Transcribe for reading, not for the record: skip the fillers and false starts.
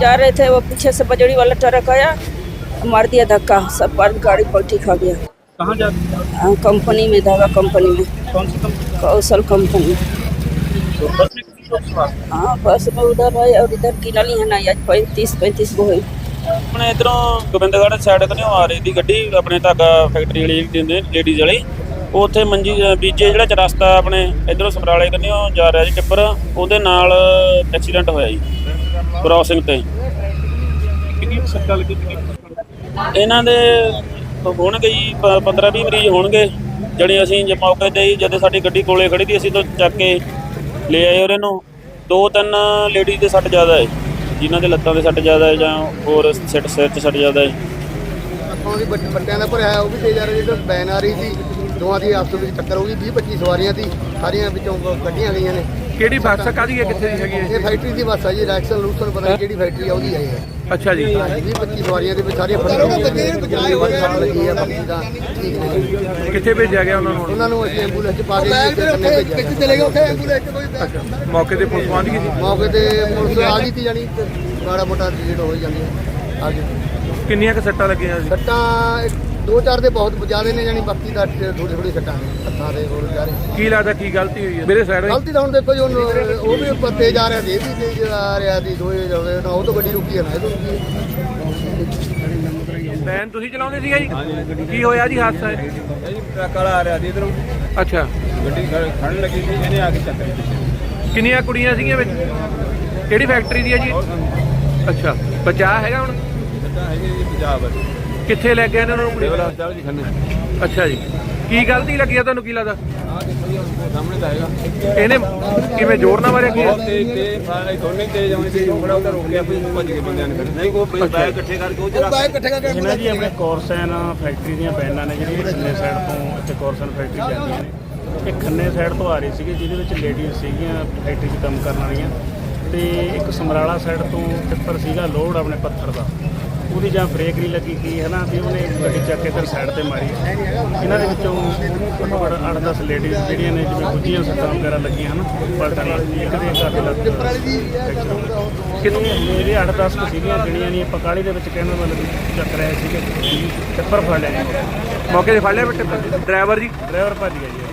जा रहे थे, वो पीछे से बजड़ी वाला ट्रक आया, मार दिया धक्का, सब पर गाड़ी पलटी खा गया। कहाँ जा कंपनी में, धागा कंपनी में, कौन सी कंपनी? कौशल कंपनी। तो बस में कितने लोग सवार? हाँ, बस में उधर है और इधर किनली है ना, आज 35 गो है। अपने इधरों गोबिंदगढ़ साइड कन्यों आ रही थी गड्डी, अपने धागा फैक्ट्री वाली दिंदे लेडीज वाली, ਉਹ ਉੱਥੇ ਮੰਜੀ ਬੀਜੇ ਜਿਹੜਾ ਚ ਰਸਤਾ ਆਪਣੇ ਇਧਰੋਂ ਸਮਰਾਲੇ ਕੰਨਿਓ ਜਾ ਰਿਹਾ ਜੀ ਟਿੱਪਰ, ਉਹਦੇ ਨਾਲ ਐਕਸੀਡੈਂਟ ਹੋਇਆ ਜੀ ਕ੍ਰਾਸਿੰਗ ਤੇ। ਕਿੰਨੀ ਸੱਟਾਂ ਲੱਗੀ? ਇਹਨਾਂ ਦੇ ਹੋਣਗੇ ਜੀ 15-20 ਮਰੀਜ਼ ਹੋਣਗੇ ਜਿਹੜੇ ਅਸੀਂ ਜੇ ਮੌਕੇ ਤੇ ਹੀ ਜਦੋਂ ਸਾਡੀ ਗੱਡੀ ਕੋਲੇ ਖੜੀ ਸੀ ਅਸੀਂ ਤਾਂ ਚੱਕ ਕੇ ਲੈ ਆਏ ਉਹਨਾਂ ਨੂੰ। 2-3 ਲੇਡੀਜ਼ ਦੇ ਸੱਟ ਜ਼ਿਆਦਾ ਹੈ, ਜਿਨ੍ਹਾਂ ਦੇ ਲੱਤਾਂ ਦੇ ਸੱਟ ਜ਼ਿਆਦਾ ਹੈ ਜਾਂ ਹੋਰ ਸਿਰ 'ਚ ਸੱਟ ਜ਼ਿਆਦਾ ਹੈ। ਅੱਖਾਂ ਦੀ ਬੱਟਿਆਂ ਦਾ ਭਰਿਆ ਉਹ ਵੀ ਤੇਜ਼ ਆ ਰਹੀ, ਜਿਹੜੀ ਬੈਨ ਆ ਰਹੀ ਸੀ, ਦੋਵਾਂ ਦੀ ਆਪਸ ਵਿੱਚ ਟੱਕਰ ਹੋ ਗਈ। 20-25 ਸਵਾਰੀਆਂ ਸੀ, ਸਾਰੀਆਂ ਵਿੱਚੋਂ ਕੱਢੀਆਂ ਗਈਆਂ ਨੇ। ਕਿਹੜੀ ਬੱਸ ਕਾਹਦੀ ਹੈ, ਕਿੱਥੇ ਦੀ ਹੈਗੀ ਹੈ? ਇਹ ਫੈਕਟਰੀ ਦੀ ਬੱਸ ਆ ਜੀ, ਰੈਕਸਨ ਲੂਸਨ ਪਤਾ ਨਹੀਂ ਕਿਹੜੀ ਫੈਕਟਰੀ ਆ ਉਹਦੀ ਹੈ ਇਹ। ਅੱਛਾ ਜੀ। 20-25 ਸਵਾਰੀਆਂ ਦੇ ਵਿੱਚ ਸਾਰੀਆਂ ਫੜੀਆਂ ਲੱਗੀ ਆ, ਬਾਕੀ ਤਾਂ ਠੀਕ ਨੇ। ਕਿੱਥੇ ਭੇਜਿਆ ਗਿਆ ਉਹਨਾਂ ਨੂੰ? ਉਹਨਾਂ ਨੂੰ ਅਸੀਂ ਐਂਬੂਲੈਂਸ 'ਚ ਪਾ ਕੇ ਕਿੱਥੇ ਚਲੇ ਗਏ? ਉੱਥੇ ਐਂਬੂਲੈਂਸ 'ਚ ਕੋਈ ਅੱਛਾ, ਮੌਕੇ ਤੇ ਪੁਲਿਸ ਪਹੁੰਚ ਗਈ ਸੀ? ਮੌਕੇ ਤੇ ਪੁਲਿਸ ਆ ਗਈ ਸੀ, ਜਾਣੀ ਮਾੜਾ ਮੋਟਾ ਡਿਲੀਟ ਹੋ ਜਾਂਦੀ ਆ ਗਈ। ਕਿੰਨੀਆਂ ਕੁ ਸੱਟਾਂ ਲੱਗੀਆਂ ਸੀ? ਸੱਟਾਂ 2-4 ਦੇ ਬਹੁਤ ਜ਼ਿਆਦਾ ਨੇ, ਜਾਣੀ ਬਾਕੀ ਦਾ ਥੋੜੀ ਸੱਟਾਂ ਨੇ ਹੱਥਾਂ ਦੇ ਹੋਰ ਜਾ ਰਹੇ। ਕੀ ਲੱਗਦਾ ਕੀ ਗਲਤੀ ਹੋਈ ਹੈ ਮੇਰੇ ਸਾਈਡ? ਗਲਤੀ ਤਾਂ ਹੁਣ ਦੇਖੋ ਜੀ, ਉਹ ਵੀ ਉੱਪਰ ਤੇਜ਼ ਆ ਰਿਹਾ ਸੀ, ਇਹ ਵੀ ਤੇਜ਼ ਆ ਰਿਹਾ ਸੀ, ਦੋਏ ਜਾਵੇ ਨਾ, ਉਹ ਤੋਂ ਗੱਡੀ ਰੁਕੀ ਹੈ ਨਾ ਇਹ ਤੋਂ ਰੁਕੀ ਹੈ। ਵੈਨ ਤੁਸੀਂ ਚਲਾਉਂਦੇ ਸੀਗਾ ਜੀ? ਕੀ ਹੋਇਆ ਜੀ ਹਾਦਸਾ? ਜੀ ਟਰੱਕ ਵਾਲਾ ਆ ਰਿਹਾ ਸੀ ਇਧਰੋਂ, ਅੱਛਾ, ਗੱਡੀ ਖੜਨ ਲੱਗੀ ਸੀ, ਇਹਨੇ ਆ ਕੇ ਚੱਕਰ। ਕਿੰਨੀਆਂ ਕੁੜੀਆਂ ਸੀਗੀਆਂ ਵਿੱਚ? ਕਿਹੜੀ ਫੈਕਟਰੀ ਦੀ ਹੈ ਜੀ? ਅੱਛਾ, ਬਚਾਅ ਹੈਗਾ ਹੁਣ? ਬੱਚਾ ਹੈਗੇ ਜੀ ਪੰਜਾਬ ਕਿੱਥੇ ਲੈ ਗਏ ਇਹਨਾਂ ਨੂੰ? ਸਿਵਲ ਹਸਪਤਾਲ ਜੀ ਖੰਨੇ। ਅੱਛਾ ਜੀ, ਕੀ ਗਲਤੀ ਲੱਗੀ ਆ ਤੁਹਾਨੂੰ, ਕੀ ਲੱਗਦਾ? ਆਹ ਦੇਖੋ ਜੀ ਸਾਹਮਣੇ ਤਾਂ ਹੈਗਾ, ਇਹਨੇ ਕਿਵੇਂ ਜ਼ੋਰ ਨਾਲ ਮਾਰਿਆ ਕੀ? ਬਹੁਤ ਤੇਜ਼ ਸਾਰੇ ਦੋਨੇ ਤੇਜ਼ ਆਉਂਦੇ ਸੀ, ਖੜਾ ਉਹਦਾ ਰੋਕ ਲਿਆ, ਫਿਰ ਭੱਜ ਗਏ ਬੰਦਿਆਂ ਨੇ। ਫਿਰ ਨਹੀਂ ਕੋਈ ਬਾਇਕ ਇਕੱਠੇ ਕਰਕੇ ਉਹ ਜਰਾ ਇਹਨਾਂ ਜੀ ਆਪਣੇ ਕੋਰਸਨ ਫੈਕਟਰੀ ਦੀਆਂ ਬੈਨਾਂ ਨੇ ਜਿਹੜੀਆਂ ਖੰਨੇ ਸਾਈਡ ਤੋਂ ਇੱਥੇ ਕੋਰਸਨ ਫੈਕਟਰੀ ਜਾਂਦੀਆਂ ਨੇ। ਇਹ ਖੰਨੇ ਸਾਈਡ ਤੋਂ ਆ ਰਹੀ ਸੀਗੀ, ਜਿਹਦੇ ਵਿੱਚ ਲੇਡੀਜ਼ ਸੀਗੀਆਂ ਫੈਕਟਰੀ 'ਚ ਕੰਮ ਕਰਨ ਵਾਲੀਆਂ, ਤੇ ਇੱਕ ਸਮਰਾਲਾ ਸਾਈਡ ਤੋਂ ਟਿੱਪਰ ਸੀਗਾ ਲੋਡ ਆਪਣੇ ਪੱਥਰ ਦਾ, ਉਹਦੀ ਜਾਂ ਬ੍ਰੇਕ ਨਹੀਂ ਲੱਗੀ ਕੀ ਹੈ ਨਾ, ਤੇ ਉਹਨੇ ਗੱਡੀ ਚੱਕ ਕੇ ਫਿਰ ਸਾਈਡ ਤੇ ਮਾਰੀ। ਇਹਨਾਂ ਦੇ ਵਿੱਚੋਂ 8-10 ਲੇਡੀਜ਼ ਜਿਹੜੀਆਂ ਨੇ ਜਿਵੇਂ ਗੁੱਜੀਆਂ ਸੱਟਾਂ ਵਗੈਰਾ ਲੱਗੀਆਂ ਹਨ ਪਲਟਣ ਨਾਲ, ਇੱਕ ਦੇ ਕਾਫੀ ਲੱਗ ਇਹਦੇ 8-10 ਸੀਗੀਆਂ ਜਿਹੜੀਆਂ ਨਹੀਂ ਆਪਾਂ ਕਾਹਲੀ ਦੇ ਵਿੱਚ ਕਹਿਣ ਮਤਲਬ ਚੱਕ ਰਹੇ ਸੀਗੇ, ਟਿੱਪਰ ਫੜ ਲਿਆ। ਮੌਕੇ ਤੇ ਫੜ ਲਿਆ ਬੇਟੇ ਡਰਾਈਵਰ ਜੀ? ਡਰਾਈਵਰ ਭੱਜ ਗਿਆ ਜੀ।